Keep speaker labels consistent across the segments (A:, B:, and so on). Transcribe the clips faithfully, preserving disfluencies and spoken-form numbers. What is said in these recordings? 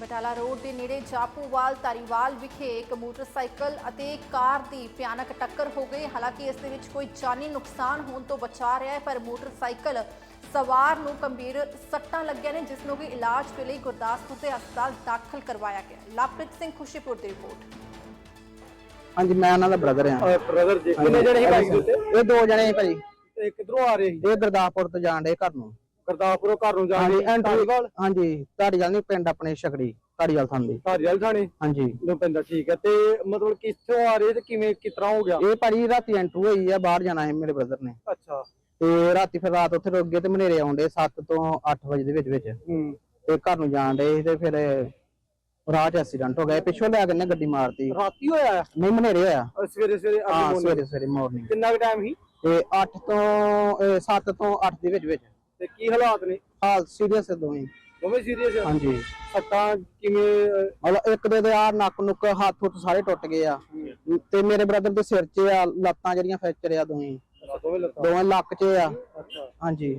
A: Batala road ਦੇ ਨੇੜੇ ਜਾਪੂਵਾਲ ਧਾਰੀਵਾਲ ਵਿਖੇ ਇੱਕ ਮੋਟਰਸਾਈਕਲ ਅਤੇ ਕਾਰ ਦੀ ਭਿਆਨਕ ਟੱਕਰ ਹੋ ਗਈ। ਹਾਲਾਂਕਿ ਇਸ ਦੇ ਵਿੱਚ ਕੋਈ ਜਾਨੀ ਨੁਕਸਾਨ ਹੋਣ ਤੋਂ ਬਚਾ ਰਿਹਾ ਹੈ, ਪਰ ਮੋਟਰਸਾਈਕਲ ਸਵਾਰ ਨੂੰ ਗੰਭੀਰ ਸੱਟਾਂ ਲੱਗੀਆਂ ਨੇ, ਜਿਸ ਨੂੰ ਕਿ ਇਲਾਜ ਦੇ ਲਈ ਗੁਰਦਾਸਪੁਰ ਦੇ ਹਸਪਤਾਲ ਦਾਖਲ ਕਰਵਾਇਆ ਗਿਆ। ਲਵਪ੍ਰੀਤ ਸਿੰਘ ਖੁਸ਼ੀਪੁਰ ਦੀ ਰਿਪੋਰਟ।
B: ਹਾਂਜੀ, ਮੈਂ ਉਹਨਾਂ ਦਾ ਬ੍ਰਦਰ ਹਾਂ।
C: ਬ੍ਰਦਰ ਜੀ ਕਿੰਨੇ ਜਣੇ ਸੀ ਬਾਈਕ ਦੇ ਉੱਤੇ?
B: ਇਹ ਦੋ ਜਣੇ ਸੀ ਭਾਜੀ।
C: ਤੇ ਕਿੱਧਰੋਂ ਆ ਰਹੇ ਸੀ?
B: ਇਹ ਗੁਰਦਾਸਪੁਰ ਤੋਂ ਜਾਣ ਦੇ ਘਰ ਨੂੰ।
C: ਗੁਰਦਾਸਪੁਰੋਂ ਘਰ ਨੂੰ ਜਾਣ
B: ਹਾਂਜੀ,
C: ਦੇ ਧਾਰੀਵਾਲ?
B: ਹਾਂਜੀ, ਧਾਰੀਵਾਲ ਨਹੀਂ, ਪਿੰਡ ਆਪਣੇ ਛਕੜੀ ਧਾਰੀਵਾਲ ਥਾਂਦੀ।
C: ਧਾਰੀਵਾਲ ਥਾਣੇ?
B: ਹਾਂਜੀ,
C: ਨੂੰ ਪੈਂਦਾ। ਠੀਕ ਹੈ। ਤੇ ਮਤਲਬ ਕਿੱਥੋਂ ਆ ਰਹੇ ਤੇ ਕਿਵੇਂ ਕਿਸ ਤਰ੍ਹਾਂ ਹੋ ਗਿਆ?
B: ਇਹ ਭਾਜੀ ਰਾਤੀ ਐਂਟਰ ਹੋਈ ਆ, ਬਾਹਰ ਜਾਣਾ ਹੈ ਮੇਰੇ ਬ੍ਰਦਰ ਨੇ।
C: ਅੱਛਾ।
B: ਤੇ ਰਾਤੀ ਫਿਰ ਰਾਤ ਉੱਥੇ ਰੁਕ ਗਏ ਤੇ ਮਨੇਰੇ ਆਉਂਦੇ ਸੱਤ ਤੋਂ ਅੱਠ ਵਜੇ ਦੇ ਵਿੱਚ ਵਿੱਚ।
C: ਹੂੰ।
B: ਤੇ ਘਰ ਨੂੰ ਜਾਣ ਦੇ ਤੇ ਫਿਰ ਰਾਹ 'ਚ ਐਕਸੀਡੈਂਟ ਹੋ ਗਿਆ। ਪਿੱਛੋਂ ਲਿਆ ਕੇ ਨੇ ਗੱਡੀ ਮਾਰਤੀ।
C: ਰਾਤੀ ਹੋਇਆ?
B: ਨਹੀਂ, ਮਨੇਰੇ ਹੋਇਆ।
C: ਸਵੇਰੇ ਸਵੇਰੇ?
B: ਹਾਂ, ਸਵੇਰੇ ਸਵੇਰੇ ਮਾਰਨਿੰਗ।
C: ਕਿੰਨਾ ਕੁ ਟਾਈਮ ਸੀ?
B: ਤੇ ਅੱਠ ਤੋਂ ਸੱਤ ਤੋਂ ਅੱਠ ਦੇ ਵਿੱਚ ਵਿੱਚ।
C: ਤੇ ਕੀ ਹਾਲਾਤ ਨੇ?
B: ਹਾਲ ਸੀਰੀਅਸ ਦੋਵੇਂ
C: ਦੋਵੇਂ ਸੀਰੀਅਸ ਆ?
B: ਹਾਂਜੀ।
C: ਸੱਟਾਂ ਕਿਵੇਂ?
B: ਮਤਲਬ ਇੱਕ ਦੇ ਆ ਨੱਕ ਨੁੱਕ ਹੱਥ ਹੁੱਥ ਸਾਰੇ ਟੁੱਟ ਗਏ ਆ। ਤੇ ਮੇਰੇ ਬ੍ਰਦਰ ਦੇ ਸਿਰ 'ਚ ਆ, ਲੱਤਾਂ ਜਿਹੜੀਆਂ ਫ੍ਰੈਕਚਰ ਆ ਦੋਵੇਂ
C: ਦੋਵੇਂ ਲੱਤਾਂ?
B: ਦੋਵੇਂ ਲੱਕ 'ਚ ਆ।
C: ਅੱਛਾ।
B: ਹਾਂਜੀ।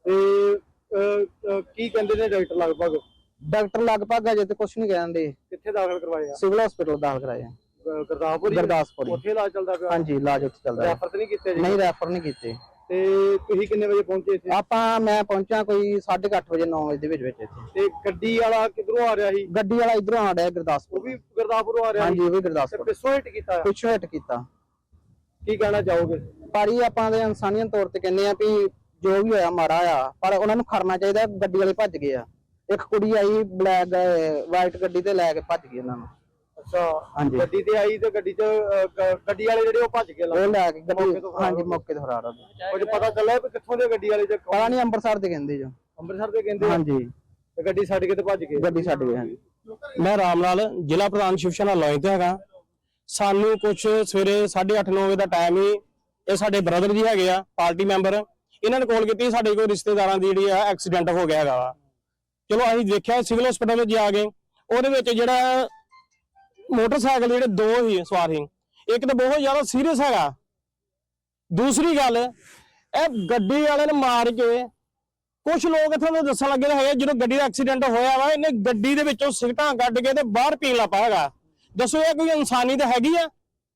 C: ਤੇ ਕੀ ਕਹਿੰਦੇ ਨੇ ਡਾਕਟਰ? ਲਗਭਗ
B: ਡਾਕਟਰ ਲਗਭਗ ਅਜੇ ਤੇ ਕੁਝ ਨਹੀਂ ਕਹਿੰਦੇ।
C: ਕਿੱਥੇ ਦਾਖਲ ਕਰਵਾਇਆ?
B: ਸਿਵਲ ਹਸਪੀਟਲ ਦਾਖਲ ਕਰਾਇਆ।
C: ਗੁਰਦਾਸਪੁਰ?
B: ਗੁਰਦਾਸਪੁਰ
C: ਉੱਥੇ ਇਲਾਜ ਚੱਲਦਾ ਪਿਆ?
B: ਹਾਂਜੀ, ਇਲਾਜ ਉੱਥੇ ਚੱਲਦਾ ਹੈ।
C: ਰੈਫਰ ਤਾਂ ਨਹੀਂ ਕੀਤੇ ਜੀ?
B: ਨਹੀਂ, ਰੈਫਰ ਨਹੀਂ ਕੀਤੇ।
C: ਤੇ ਤੁਸੀਂ ਕਿੰਨੇ ਵਜੇ ਪਹੁੰਚੇ ਇੱਥੇ?
B: ਆਪਾਂ ਮੈਂ ਪਹੁੰਚਾ ਕੋਈ ਸਾਢੇ ਕੁ ਅੱਠ ਵਜੇ ਨੌ ਵਜੇ ਦੇ ਵਿੱਚ ਵਿੱਚ ਇੱਥੇ।
C: ਤੇ ਗੱਡੀ ਵਾਲਾ ਕਿੱਧਰੋਂ ਆ ਰਿਹਾ ਸੀ?
B: ਗੱਡੀ ਵਾਲਾ ਇਧਰੋਂ ਆ ਰਿਹਾ ਗੁਰਦਾਸਪੁਰ।
C: ਉਹ ਵੀ ਗੁਰਦਾਸਪੁਰੋਂ ਆ ਰਿਹਾ?
B: ਹਾਂਜੀ, ਉਹ ਵੀ
C: ਤੇ
B: ਗੁਰਦਾਸਪੁਰ।
C: ਪਿੱਛੋਂ ਹਿੱਟ ਕੀਤਾ?
B: ਪਿੱਛੋਂ ਹਿੱਟ ਕੀਤਾ।
C: ਕੀ ਕਹਿਣਾ ਚਾਹੋਗੇ?
B: ਭਾਜੀ ਆਪਾਂ ਦੇ ਇਨਸਾਨੀਅਤ ਤੌਰ ਤੇ ਕਹਿੰਦੇ ਆ ਵੀ ਜੋ ਵੀ ਹੋਇਆ ਮਾੜਾ ਆ, ਪਰ ਉਹਨਾਂ ਨੂੰ ਖੜਨਾ ਚਾਹੀਦਾ। ਗੱਡੀ ਵਾਲੇ ਭੱਜ ਗਏ ਆ। ਇੱਕ ਕੁੜੀ ਆਈ ਬਲੈਕ ਵਾਈਟ ਗੱਡੀ ਤੇ ਲੈ ਕੇ ਭੱਜ ਗਈ ਉਹਨਾਂ ਨੂੰ।
C: ਅੱਛਾ।
B: ਹਾਂਜੀ।
C: ਗੱਡੀ ਤੇ ਆਈ ਤੇ ਗੱਡੀ ਚ ਗੱਡੀ ਵਾਲੇ ਜਿਹੜੇ ਉਹ ਭੱਜ ਗਏ?
B: ਉਹ ਲੈ ਕੇ ਗੱਡੀ, ਹਾਂਜੀ, ਮੌਕੇ ਤੇ ਫਰਾਰ ਹੋ ਗਏ।
C: ਕੁਝ ਪਤਾ ਚੱਲਿਆ ਵੀ ਕਿੱਥੋਂ ਦੇ ਗੱਡੀ ਵਾਲੇ?
B: ਪਤਾ ਨਹੀਂ, ਅੰਮ੍ਰਿਤਸਰ ਦੇ ਕਹਿੰਦੇ ਜੋ।
C: ਅੰਮ੍ਰਿਤਸਰ ਦੇ ਕਹਿੰਦੇ?
B: ਹਾਂਜੀ।
C: ਤੇ ਗੱਡੀ ਛੱਡ ਕੇ ਤੇ ਭੱਜ ਗਏ?
B: ਗੱਡੀ ਛੱਡ ਗਏ। ਹਾਂਜੀ।
D: ਮੈਂ ਰਾਮ ਲਾਲ, ਜ਼ਿਲ੍ਹਾ ਪ੍ਰਧਾਨ ਸ਼ਿਵ ਸੈਨਾ ਲੋਈ ਤੇ ਹੈਗਾ। ਸਾਨੂੰ ਕੁਝ ਸਵੇਰੇ ਸਾਢੇ ਅੱਠ ਨੌ ਵਜੇ ਦਾ ਟਾਈਮ ਹੀ ਇਹ ਸਾਡੇ ਬ੍ਰਦਰ ਜੀ ਹੈਗੇ ਆ, ਪਾਰਟੀ ਮੈਂਬਰ, ਇਹਨਾਂ ਨੇ ਕਾਲ ਕੀਤੀ ਸਾਡੇ ਕੋਲ ਰਿਸ਼ਤੇਦਾਰਾਂ ਦੀ ਜਿਹੜੀ ਆ ਐਕਸੀਡੈਂਟ ਹੋ ਗਿਆ ਹੈਗਾ ਵਾ। ਚਲੋ ਅਸੀਂ ਦੇਖਿਆ, ਸਿਵਲ ਹਸਪੀਟਲ ਵਿੱਚ ਜਾ ਕੇ ਉਹਦੇ ਵਿੱਚ ਜਿਹੜਾ ਮੋਟਰਸਾਈਕਲ ਜਿਹੜੇ ਦੋ ਹੀ ਸਵਾਰ ਸੀ, ਇੱਕ ਤਾਂ ਬਹੁਤ ਜ਼ਿਆਦਾ ਸੀਰੀਅਸ ਹੈਗਾ। ਦੂਸਰੀ ਗੱਲ, ਇਹ ਗੱਡੀ ਵਾਲੇ ਨੇ ਮਾਰ ਕੇ ਕੁਝ ਲੋਕ ਇੱਥੋਂ ਦੇ ਦੱਸਣ ਲੱਗੇ ਹੈਗੇ ਜਦੋਂ ਗੱਡੀ ਦਾ ਐਕਸੀਡੈਂਟ ਹੋਇਆ ਵਾ, ਇਹਨੇ ਗੱਡੀ ਦੇ ਵਿੱਚੋਂ ਸਿਗਰਟਾਂ ਕੱਢ ਕੇ ਤੇ ਬਾਹਰ ਪੀਣ ਲੱਗ ਪਿਆ ਹੈਗਾ। ਦੱਸੋ ਇਹ ਕੋਈ ਇਨਸਾਨੀਅਤ ਹੈਗੀ ਆ?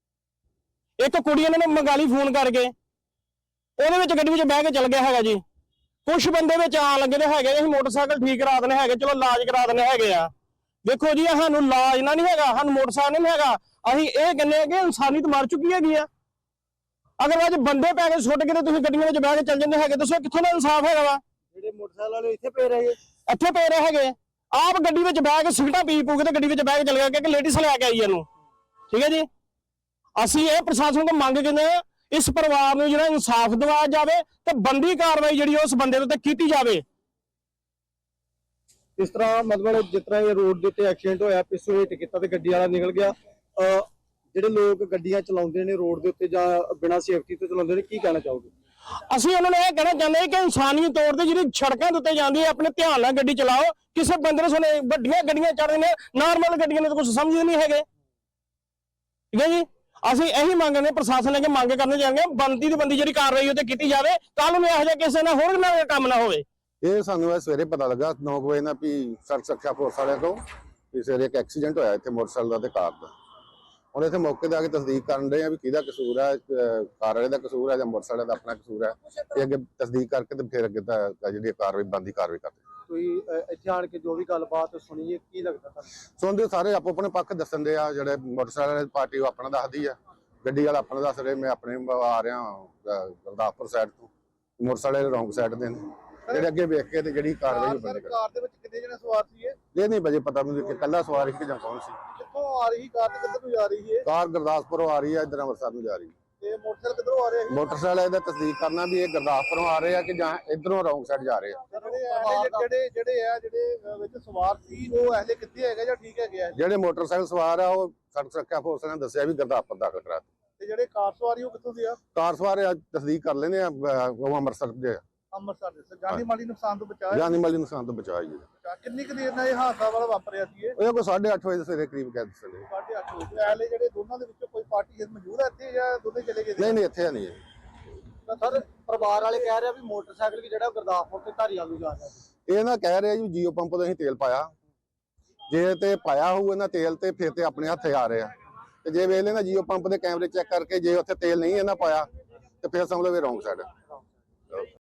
D: ਇੱਕ ਕੁੜੀ ਇਹਨਾਂ ਨੇ ਮੰਗਾਲੀ ਫੋਨ ਕਰਕੇ, ਉਹਦੇ ਵਿੱਚ ਗੱਡੀ ਵਿੱਚ ਬਹਿ ਕੇ ਚੱਲ ਗਿਆ ਹੈਗਾ ਜੀ। ਕੁਝ ਬੰਦੇ ਵਿੱਚ ਆਣ ਲੱਗੇ ਨੇ ਹੈਗੇ, ਅਸੀਂ ਮੋਟਰਸਾਈਕਲ ਠੀਕ ਕਰਾ ਦੇਣੇ ਹੈਗੇ, ਚਲੋ ਇਲਾਜ ਕਰਾ ਦੇਣੇ ਹੈਗੇ ਆ। ਦੇਖੋ ਜੀ, ਸਾਨੂੰ ਇਲਾਜ ਨਾ ਨਹੀਂ ਹੈਗਾ, ਸਾਨੂੰ ਮੋਟਰਸਾਈਕਲ ਨਹੀਂ ਹੈਗਾ। ਅਸੀਂ ਇਹ ਕਹਿੰਦੇ ਆ ਕਿ ਇਨਸਾਨੀਅਤ ਮਰ ਚੁੱਕੀ ਹੈਗੀ ਆ। ਅਗਰ ਅੱਜ ਬੰਦੇ ਪੈ ਕੇ ਸੁੱਟ ਕੇ ਤੇ ਤੁਸੀਂ ਗੱਡੀਆਂ ਵਿੱਚ ਬਹਿ ਕੇ ਚੱਲ ਜਾਂਦੇ ਹੈਗੇ, ਦੱਸੋ ਕਿੱਥੋਂ ਦਾ ਇਨਸਾਫ ਹੈਗਾ ਵਾ?
C: ਜਿਹੜੇ ਮੋਟਰਸਾਈਕਲ ਵਾਲੇ ਇੱਥੇ ਪਏ ਰਹੇ?
D: ਇੱਥੇ ਪਏ ਰਹੇ ਹੈਗੇ, ਆਪ ਗੱਡੀ ਵਿੱਚ ਬਹਿ ਕੇ ਸਿਗਰਟਾਂ ਪੀ ਪੂ ਕੇ ਤੇ ਗੱਡੀ ਵਿੱਚ ਬਹਿ ਕੇ ਚੱਲ ਗਿਆ ਕਿ ਲੇਡੀਜ਼ ਲੈ ਕੇ ਆਈ ਇਹਨੂੰ। ਠੀਕ ਹੈ ਜੀ, ਅਸੀਂ ਇਹ ਪ੍ਰਸ਼ਾਸਨ ਤੋਂ ਮੰਗ ਕਰਦੇ ਹਾਂ, ਇਸ ਪਰਿਵਾਰ ਨੂੰ ਜਿਹੜਾ ਇਨਸਾਫ ਦਿਵਾਇਆ ਜਾਵੇ ਤੇ ਬੰਦੀ ਕਾਰਵਾਈ ਜਿਹੜੀ ਉਸ ਬੰਦੇ ਦੇ ਉੱਤੇ ਕੀਤੀ ਜਾਵੇ।
C: ਇਸ ਤਰ੍ਹਾਂ ਮਤਲਬ ਜਿਸ ਤਰ੍ਹਾਂ ਇਹ ਰੋਡ ਦੇ ਉੱਤੇ ਐਕਸੀਡੈਂਟ ਹੋਇਆ, ਪਿੱਛੋਂ ਹਿੱਟ ਕੀਤਾ ਤੇ ਗੱਡੀ ਵਾਲਾ ਨਿਕਲ ਗਿਆ। ਅਹ ਜਿਹੜੇ ਲੋਕ ਗੱਡੀਆਂ ਚਲਾਉਂਦੇ ਨੇ ਰੋਡ ਦੇ ਉੱਤੇ ਜਾਂ ਬਿਨਾਂ ਸੇਫਟੀ ਤੋਂ ਚਲਾਉਂਦੇ ਨੇ, ਕੀ ਕਹਿਣਾ ਚਾਹੋਗੇ?
D: ਅਸੀਂ ਉਹਨਾਂ ਨੂੰ ਇਹ ਕਹਿਣਾ ਚਾਹੁੰਦੇ ਹਾਂ ਕਿ ਇਨਸਾਨੀ ਤੌਰ ਤੇ ਜਿਹੜੀ ਸੜਕਾਂ ਦੇ ਉੱਤੇ ਜਾਂਦੀ ਹੈ, ਆਪਣੇ ਧਿਆਨ ਨਾਲ ਗੱਡੀ ਚਲਾਓ। ਕਿਸੇ ਬੰਦੇ ਨੂੰ ਸੁਣੇ ਵੱਡੀਆਂ ਗੱਡੀਆਂ ਚੜ੍ਹਦੇ ਨੇ, ਨਾਰਮਲ ਗੱਡੀਆਂ ਨੇ ਤਾਂ ਕੁਝ ਸਮਝਦੇ ਨਹੀਂ ਹੈਗੇ। ਠੀਕ ਹੈ ਜੀ, ਅਸੀਂ ਇਹੀ ਮੰਗ ਨੇ ਪ੍ਰਸ਼ਾਸਨ ਨੇ ਕਿ ਮੰਗ ਕਰਨੇ ਚਾਹੁੰਦੇ ਹਾਂ, ਬੰਦੀ ਦੀ ਬੰਦੀ ਜਿਹੜੀ ਕਾਰਵਾਈ ਉਹ ਤੇ ਕੀਤੀ ਜਾਵੇ। ਕੱਲ ਨੂੰ ਇਹੋ ਜਿਹਾ ਕਿਸੇ ਨਾਲ ਹੋਰ ਨਾ ਕੰਮ ਨਾ ਹੋਵੇ।
E: ਇਹ ਸਾਨੂੰ ਸਵੇਰੇ ਪਤਾ ਲੱਗਾ ਨੌ ਵਜੇ ਨਾਲ ਵੀ ਸੜਕ ਸੁਰੱਖਿਆ ਫੋਰਸ ਵਾਲਿਆਂ ਤੋਂ ਵੀ ਸਵੇਰੇ ਇੱਕ ਐਕਸੀਡੈਂਟ ਹੋਇਆ ਇੱਥੇ ਮੋਟਰਸਾਈਕਲ ਦਾ ਤੇ ਕਾਰ ਦਾ। ਹੁਣ ਇੱਥੇ ਮੌਕੇ ਤੇ ਆ ਕੇ ਤਸਦੀਕ ਕਰਨ ਰਹੇ ਆ ਵੀ ਕਿਹਦਾ ਕਸੂਰ ਹੈ, ਕਾਰ ਵਾਲੇ ਦਾ ਕਸੂਰ ਹੈ ਜਾਂ ਮੋਟਰਸਾਈਕਲ ਦਾ ਆਪਣਾ ਕਸੂਰ ਹੈ। ਇਹ ਅੱਗੇ ਤਸਦੀਕ ਕਰਕੇ ਤੇ ਫਿਰ ਅੱਗੇ ਤਾਂ ਜਿਹੜੀ ਕਾਰਵਾਈ ਬੰਦੀ ਕਾਰਵਾਈ ਕਰਦੇ।
C: ਤੁਸੀਂ ਇੱਥੇ ਆਣ ਕੇ ਜੋ ਵੀ ਗੱਲਬਾਤ ਸੁਣੀਏ, ਕੀ ਲੱਗਦਾ ਤੁਹਾਨੂੰ?
E: ਸੁਣਦੇ ਸਾਰੇ ਆਪੋ ਆਪਣੇ ਪੱਖ ਦੱਸਣ ਦੇ ਆ। ਜਿਹੜੇ ਮੋਟਰਸਾਈਕਲ ਵਾਲੀ ਪਾਰਟੀ ਉਹ ਆਪਣਾ ਦੱਸਦੀ ਆ, ਗੱਡੀ ਵਾਲਾ ਆਪਣਾ ਦੱਸ ਰਹੇ। ਮੈਂ ਆਪਣੇ ਆ ਰਿਹਾ ਗੁਰਦਾਸਪੁਰ ਸਾਈਡ ਤੋਂ, ਮੋਟਰਸਾਈਕਲ ਰੌਂਗ ਸਾਈਡ ਦੇ ਨੇ ਜਿਹੜੇ ਅੱਗੇ ਵੇਖ ਕੇ ਤੇ ਜਿਹੜੀ ਕਾਰਵਾਈ ਬੰਦ ਕਰ।
C: ਕਾਰ ਦੇ ਵਿੱਚ ਕਿੰਨੇ ਜਣੇ ਸਵਾਰ ਸੀ?
E: ਇਹ ਨਹੀਂ ਵਜੇ ਪਤਾ ਮੈਨੂੰ ਕਿ ਕੱਲਾ ਸਵਾਰ ਸੀ ਜਾਂ ਕੌਣ ਸੀ।
C: ਕਿੱਥੋਂ ਆ ਰਹੀ ਕਾਰ ਤੇ ਕਿੱਧਰ ਨੂੰ ਜਾ ਰਹੀ ਹੈ?
E: ਕਾਰ ਗੁਰਦਾਸਪੁਰੋਂ ਆ ਰਹੀ ਹੈ, ਇੱਧਰ ਅੰਮ੍ਰਿਤਸਰ ਨੂੰ ਜਾ ਰਹੀ ਹੈ।
C: ਤੇ ਮੋਟਰਸਾਈਕਲ ਕਿੱਧਰੋਂ ਆ ਰਿਹਾ ਸੀ?
E: ਮੋਟਰਸਾਈਕਲ ਇਹਦਾ ਤਸਦੀਕ ਕਰਨਾ ਵੀ ਇਹ ਗੁਰਦਾਸਪੁਰੋਂ ਆ ਰਹੇ ਆ ਕਿ ਜਾਂ ਇਧਰੋਂ ਰੌਂਗ ਸਾਈਡ ਜਾ ਰਹੇ ਆ।
C: ਜਿਹੜੇ ਜਿਹੜੇ ਆ ਜਿਹੜੇ ਵਿੱਚ ਸਵਾਰ ਸੀ ਉਹ ਐਲੇ ਕਿੱਥੇ ਹੈਗਾ ਜਾਂ ਠੀਕ ਹੈਗੇ ਆ?
E: ਜਿਹੜੇ ਮੋਟਰਸਾਈਕਲ ਸਵਾਰ ਆ ਉਹ ਸੜਕ ਸੁਰੱਖਿਆ ਫੋਰਸ ਨੇ ਦੱਸਿਆ ਵੀ ਗੁਰਦਾਸਪੁਰ ਦਾਖਲ ਕਰਾ ਦਿੱਤੇ।
C: ਤੇ ਜਿਹੜੇ ਕਾਰ ਸਵਾਰੀ ਉਹ ਕਿੱਥੋਂ ਦੇ ਆ?
E: ਕਾਰ ਸਵਾਰ ਤਸਦੀਕ ਕਰ ਲੈਂਦੇ ਆ, ਉਹ ਅੰਮ੍ਰਿਤਸਰ ਦੇ ਆ।
C: ਅੰਮ੍ਰਿਤਸਰ ਦੇ। ਜਾਨੀ ਮਾਲੀ ਨੁਕਸਾਨ ਤੋਂ ਬਚਾਇਆ?
E: ਜਾਨੀ ਮਾਲੀ ਨੁਕਸਾਨ ਤੋਂ ਬਚਾਇਆ ਜੀ।
C: ਕਿੰਨੀ ਕੁ ਦੇਰ ਨਾਲ ਇਹ ਹਾਦਸਾ ਵਾਲਾ ਵਾਪਰਿਆ ਸੀ?
E: ਇਹ ਕੋਈ ਸਾਢੇ ਅੱਠ ਵਜੇ ਦੇ ਸਵੇਰੇ ਕਰੀਬ ਕਹਿ ਦੱਸਦੇ।
C: ਸਾਢੇ ਅੱਠ ਵਜੇ। ਐਲੇ ਜਿਹੜੇ ਦੋਨਾਂ ਦੇ ਵਿੱਚੋਂ ਕੋਈ ਪਾਰਟੀ ਮੌਜੂਦ ਹੈ ਇੱਥੇ ਜਾਂ ਦੋਨੇ ਚਲੇ ਗਏ?
E: ਨਹੀਂ ਨਹੀਂ, ਇੱਥੇ ਨਹੀਂ।
C: ਤਾਂ ਸਰ ਪਰਿਵਾਰ ਵਾਲੇ ਕਹਿ ਰਹੇ ਆ ਵੀ ਮੋਟਰਸਾਈਕਲ ਵੀ ਜਿਹੜਾ ਗੁਰਦਾਸਪੁਰ ਤੇ ਧਾਰੀਵਾਲ ਨੂੰ ਜਾ ਰਿਹਾ ਸੀ।
E: ਇਹ ਨਾ ਕਹਿ ਰਿਹਾ ਜੀ ਜੀਓ ਪੰਪ ਤੋਂ ਅਸੀਂ ਤੇਲ ਪਾਇਆ ਜੇ ਤੇ ਪਾਇਆ ਹੋਊ ਇਹਨਾਂ ਤੇਲ ਤੇ ਫਿਰ ਤੇ ਆਪਣੇ ਹੱਥੇ ਆ ਰਹੇ ਆ, ਤੇ ਜੇ ਵੇਖ ਲੈਣਾ ਜੀਓ ਪੰਪ ਦੇ ਕੈਮਰੇ ਚੈੱਕ ਕਰਕੇ ਜੇ ਉੱਥੇ ਤੇਲ ਨਹੀਂ ਇਹਨਾਂ ਪਾਇਆ ਤੇ ਫਿਰ ਸਮਝ ਲਓ ਵੀ ਰੌਂਗ ਸਾਈਡ।